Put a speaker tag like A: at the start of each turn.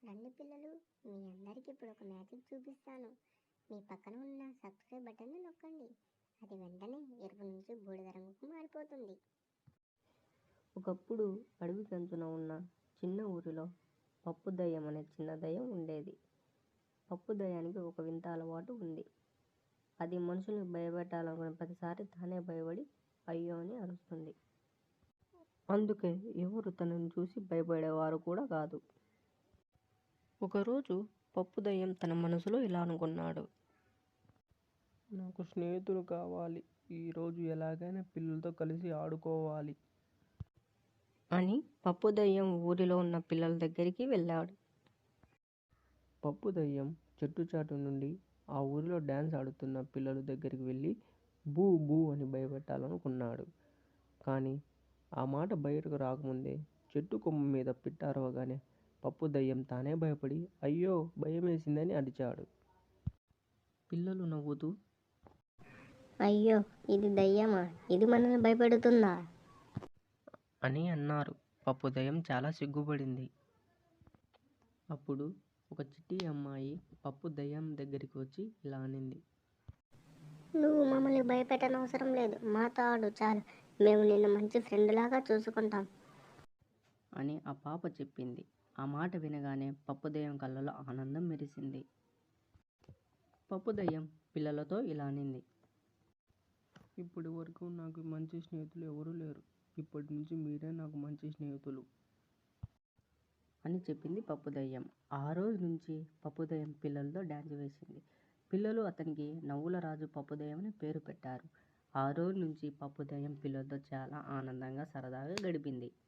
A: రండి పిల్లలు, మీ అందరికీ ఇప్పుడు ఒక మ్యాజిక్ చూపిస్తాను. మీ పక్కన ఉన్న సబ్స్క్రైబ్ బటన్ని నొక్కండి. అది వెంటనే ఎరుపు నుంచి బూడిద రంగుకు మారిపోతుంది.
B: ఒకప్పుడు అడవి కంచున ఉన్న చిన్న ఊరిలో పప్పు దయ్యం అనే చిన్న దయ్యం ఉండేది. పప్పు దయ్యానికి ఒక వింత అలవాటు ఉంది. అది మనుషుల్ని భయపెట్టాలనుకున్న ప్రతిసారి తానే భయపడి అయ్యో అని అరుస్తుంది. అందుకే ఎవరు తనని చూసి భయపడేవారు కూడా కాదు. ఒకరోజు పప్పు దయ్యం తన మనసులో ఇలా అనుకున్నాడు.
C: నాకు స్నేహితులు కావాలి. ఈరోజు ఎలాగైనా పిల్లలతో కలిసి ఆడుకోవాలి
B: అని పప్పు దయ్యం ఊరిలో ఉన్న పిల్లల దగ్గరికి వెళ్ళాడు.
C: పప్పు దయ్యం చెట్టు చాటు నుండి ఆ ఊరిలో డ్యాన్స్ ఆడుతున్న పిల్లల దగ్గరికి వెళ్ళి బూ బూ అని భయపెట్టాలనుకున్నాడు. కానీ ఆ మాట బయటకు రాకముందే చెట్టు కొమ్మ మీద పిట్ట అరవగానే పప్పు దయ్యం తానే భయపడి అయ్యో భయమేసిందని అరిచాడు. పిల్లలు నవ్వుతూ
A: అయ్యో, ఇది దయ్యమా? ఇది మనల్ని భయపెడుతుందా
B: అని అన్నారు. పప్పు దయ్యం చాలా సిగ్గుపడింది. అప్పుడు ఒక చిట్టి అమ్మాయి పప్పు దయ్యం దగ్గరికి వచ్చి ఇలా అనింది.
A: నువ్వు మమ్మల్ని భయపెట్టనవసరం లేదు, మాతో ఆడు చాలు. మేము నిన్ను మంచి ఫ్రెండ్ లాగా చూసుకుంటాం
B: అని ఆ పాప చెప్పింది. ఆ మాట వినగానే పప్పు దయ్యం కళ్ళలో ఆనందం మెరిసింది. పప్పు దయ్యం పిల్లలతో ఇలా అనింది.
C: ఇప్పటి వరకు నాకు మంచి స్నేహితులు ఎవరూ లేరు. ఇప్పటి నుంచి మీరే నాకు మంచి స్నేహితులు
B: అని చెప్పింది పప్పు దయ్యం. ఆ రోజు నుంచి పప్పు దయ్యం పిల్లలతో డ్యాన్స్ వేసింది. పిల్లలు అతనికి నవ్వుల రాజు పప్పు దయ్యం అని పేరు పెట్టారు. ఆ రోజు నుంచి పప్పు దయ్యం పిల్లలతో చాలా ఆనందంగా సరదాగా గడిపింది.